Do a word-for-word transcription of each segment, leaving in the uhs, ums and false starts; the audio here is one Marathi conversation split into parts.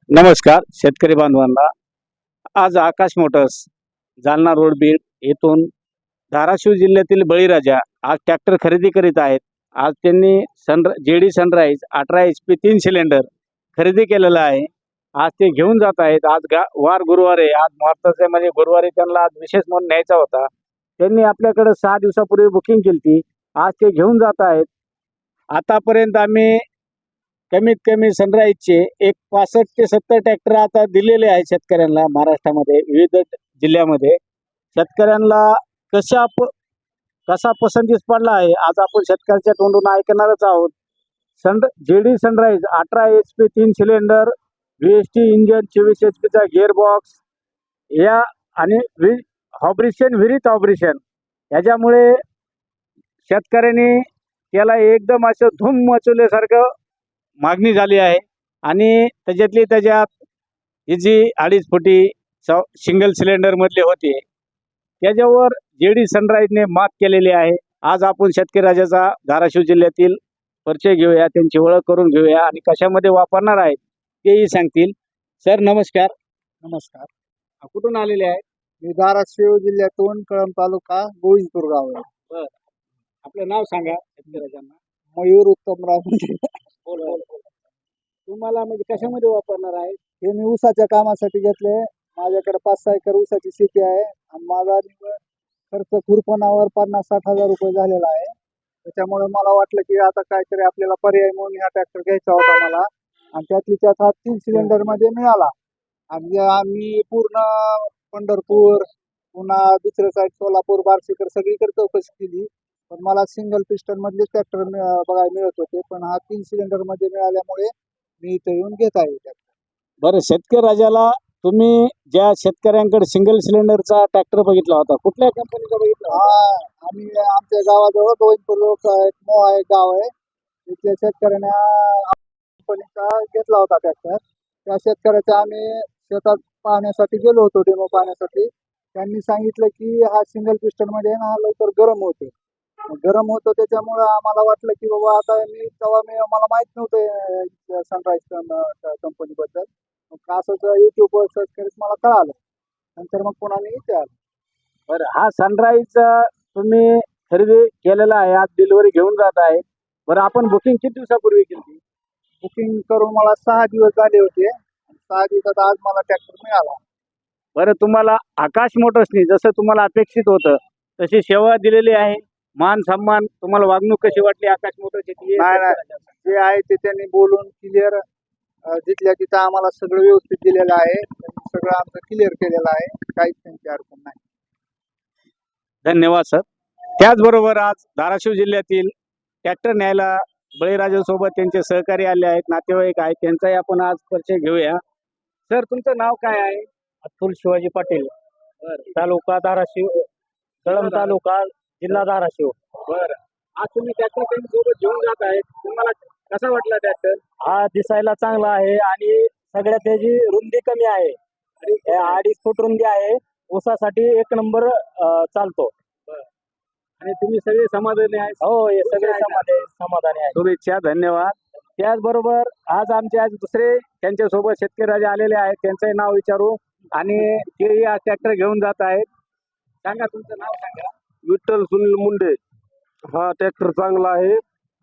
नमस्कार शेतकरी बांधवांना. आज आकाश मोटर्स जालना रोड बीड येथून धाराशिव जिल्ह्यातील बळीराजा आज ट्रॅक्टर खरेदी करीत आहेत. आज त्यांनी सन जेडी सनराइज अठरा एच पी तीन सिलेंडर खरेदी केलेला आहे. आज ते घेऊन जात आहेत. आज गा वार गुरुवार आहे. आज मुहूर्ताचे म्हणजे गुरुवारी त्यांना आज विशेष म्हणून न्यायचा होता. त्यांनी आपल्याकडे सहा दिवसापूर्वी बुकिंग केली होती. आज ते घेऊन जात आहेत. आतापर्यंत आम्ही कमीत कमी सनराइजचे एक पासष्ट ते सत्तर ट्रॅक्टर आता दिलेले आहेत शेतकऱ्यांना महाराष्ट्रामध्ये विविध जिल्ह्यामध्ये. शेतकऱ्यांना कशा प कसा पसंतीस पडला आहे आज आपण शेतकऱ्याच्या तोंडून ऐकणारच आहोत. सन जेडी सनराइज अठरा एच पी तीन cylinder V S T engine चोवीस एच पीचा गिअरबॉक्स या आणि व्ही ऑपरेशन विहिरीत ऑपरेशन याच्यामुळे शेतकऱ्यांनी त्याला एकदम असं धूम मचवल्यासारखं मागणी झाली आहे. आणि त्याच्यातली त्याच्यात ही जी अडीच फुटी स सिंगल सिलेंडरमधले होते त्याच्यावर जेडी सनराइजने मात केलेली आहे. आज आपण शेतकरी राजाचा धाराशिव जिल्ह्यातील परिचय घेऊया, त्यांची ओळख करून घेऊया आणि कशामध्ये वापरणार आहेत तेही सांगतील. सर नमस्कार. नमस्कार. कुठून आलेले आहेत? मी धाराशिव जिल्ह्यातून कळंब तालुका गोविंदपूर गाव आहे. बरं, आपलं नाव सांगा शेतकरी राजांना. मयूर उत्तमराव मुंडे. बोल बोल बोल. तुम्हाला म्हणजे कशामध्ये वापरणार आहे? हे मी ऊसाच्या कामासाठी घेतले. माझ्याकडे पाच सहा एकर ऊसाची शेती आहे आणि माझा निव्वळ खर्च खुरपणावर पन्नास साठ हजार रुपये झालेला आहे. त्याच्यामुळे मला वाटलं की आता काहीतरी आपल्याला पर्याय म्हणून हा ट्रॅक्टर घ्यायचा होता मला. आणि त्यातली त्यात हा तीन सिलेंडर मध्ये मिळाला. आणि आम्ही पूर्ण पंढरपूर पुन्हा दुसऱ्या साईड सोलापूर बार्शीकर सगळीकडे चौकशी केली, पण मला सिंगल पिस्टन मधले ट्रॅक्टर बघायला मिळत होते. पण हा तीन सिलेंडर मध्ये मिळाल्यामुळे मी इथे येऊन घेत आहे ट्रॅक्टर. बरं, शेतकरी राजाला तुम्ही ज्या शेतकऱ्यांकडे सिंगल सिलेंडरचा ट्रॅक्टर बघितला होता कुठल्या कंपनीचा बघितला होता? हा आम्ही आमच्या गावाजवळ गोविंदपूर लोक एक मोहा एक गाव आहे, तिथल्या शेतकऱ्यांना कंपनीचा घेतला होता ट्रॅक्टर. त्या शेतकऱ्याचा आम्ही शेतात पाहण्यासाठी गेलो होतो, डेमो पाहण्यासाठी. त्यांनी सांगितलं की हा सिंगल पिस्टन मध्ये ना हा लवकर गरम होतो. गरम होतो त्याच्यामुळं आम्हाला वाटलं की बाबा आता मी तेव्हा मी मला माहित नव्हतं सनराइज कंपनी बद्दल. मग असंच युट्यूबवर सर्च करीत मला कळालं. नंतर मग पुन्हा मी इथे आलो. बरं, हा सनराइज तुम्ही खरेदी केलेला आहे, आज डिलिव्हरी घेऊन जात आहे. बरं, आपण बुकिंग किती दिवसापूर्वी केली? बुकिंग करून मला सहा दिवस झाले होते. सहा दिवसात आज मला ट्रॅक्टर मिळाला. बरं, तुम्हाला आकाश मोटर्सनी जसं तुम्हाला अपेक्षित होतं तशी सेवा दिलेली आहे. मान सन्मान तुम्हाला वागणूक कशी वाटली आकाश मोटर्सची? नाही नाही, जे आहे ते त्यांनी बोलून क्लिअर जिथल्या तिथं आम्हाला सगळं व्यवस्थित दिलेलं आहे. त्यांनी सगळं आमचं क्लिअर केलेलं आहे. काहीच त्यांची अडचण नाही. धन्यवाद सर. त्याचबरोबर आज धाराशिव जिल्ह्यातील ट्रॅक्टर न्यायला बळीराजासोबत त्यांचे सहकारी आले आहेत, नातेवाईक आहेत, त्यांचाही आपण आज परिचय घेऊया. सर तुमचं नाव काय आहे? अतुल शिवाजी पाटील, तालुका धाराशिव, कळंब तालुका, जिल्हा धाराशिव. बरं, आज तुम्ही ट्रॅक्टर त्यांच्यासोबत घेऊन जात आहेत, तुम्हाला कसा वाटला ट्रॅक्टर? हा दिसायला चांगला आहे आणि सगळ्यात त्याची रुंदी कमी आहे. हे अडीच फूट रुंदी आहे. ऊसासाठी एक नंबर चालतो. आणि तुम्ही सगळे समाधानी आहे? हो, हे सगळे समाधानी समाधानी आहे. शुभेच्छा, धन्यवाद. त्याचबरोबर आज आमचे आज दुसरे त्यांच्यासोबत शेतकरी राजा आलेले आहेत, त्यांचंही नाव विचारू आणि तेही आज ट्रॅक्टर घेऊन जात आहेत. सांगा तुमचं नाव सांगा. विठ्ठल सुनील मुंडे. हा ट्रॅक्टर चांगला आहे.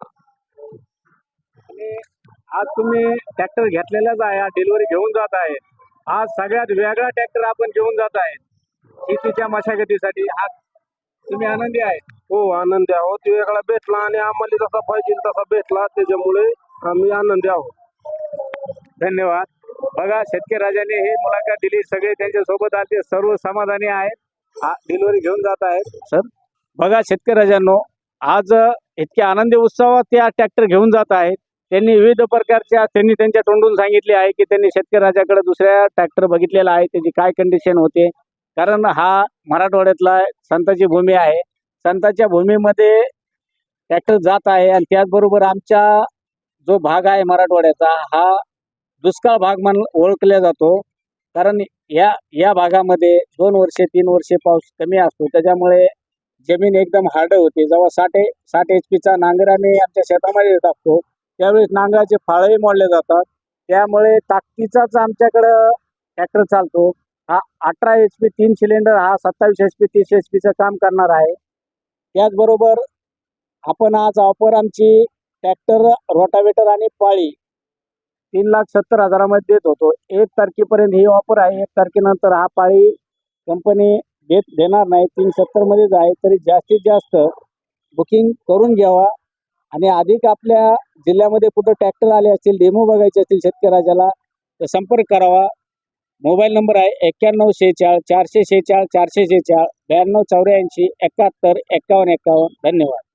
आणि आज तुम्ही ट्रॅक्टर घेतलेलाच आहे, डिलिव्हरी घेऊन जात आहे. आज सगळ्यात वेगळा ट्रॅक्टर आपण घेऊन जात आहे शेतीच्या मशागतीसाठी. हा तुम्ही आनंदी आहे? हो, आनंदी आहोत. वेगळा भेटला आणि आम्हाला जसा पाहिजे तसा भेटला, त्याच्यामुळे आम्ही आनंदी आहोत. धन्यवाद. बघा, शेतकरी राजाने ही मुलाखत दिली. सगळे त्यांच्या सोबत आले, सर्व समाधानी आहेत, डिलिव्हरी घेऊन जात आहेत. सर बघा शेतकरी राजांनो, आज इतक्या आनंदी उत्सवात त्या ट्रॅक्टर घेऊन जात आहेत. त्यांनी विविध प्रकारच्या त्यांनी त्यांच्या तोंडून सांगितले आहे की त्यांनी शेतकरी राजाकडे दुसऱ्या ट्रॅक्टर बघितलेला आहे, त्याची काय कंडिशन होते. कारण हा मराठवाड्यातला संताची भूमी आहे. संतांच्या भूमीमध्ये ट्रॅक्टर जात आहे आणि त्याचबरोबर आमच्या जो भाग आहे मराठवाड्याचा हा दुष्काळ भाग म्हणून ओळखला जातो. कारण या या भागामध्ये दोन वर्षे तीन वर्षे पाऊस कमी असतो, त्याच्यामुळे जमीन एकदम हार्ड होते. जेव्हा साठ साठ एच पीचा नांगर आम्ही आमच्या शेतामध्ये टाकतो त्यावेळेस नांगराचे फाळही मोडले जातात त्यामुळे ताकदीचाच आमच्याकडं ट्रॅक्टर चालतो. हा अठरा एच पी तीन सिलेंडर हा सत्तावीस एच पी तीस एच पीचं काम करणार आहे. त्याचबरोबर आपण आज ऑफर आमची ट्रॅक्टर रोटावेटर आणि पाळी तीन लाख सत्तर हजारामध्ये देत होतो. एक तारखेपर्यंत ही ऑफर आहे. एक तारखेनंतर हा पाळी कंपनी देत देणार नाही. तीन सत्तरमध्येच आहे. तरी जास्तीत जास्त बुकिंग करून घ्यावा आणि अधिक आपल्या जिल्ह्यामध्ये कुठं ट्रॅक्टर आले असतील, डेमो बघायचे असतील शेतकऱ्याला, तर संपर्क करावा. मोबाईल नंबर आहे एक्क्याण्णव शेहेचाळ चारशे शेहेचाळ चारशे शेहेचाळ ब्याण्णव चौऱ्याऐंशी एकाहत्तर एक्कावन्न एक्कावन्न. धन्यवाद.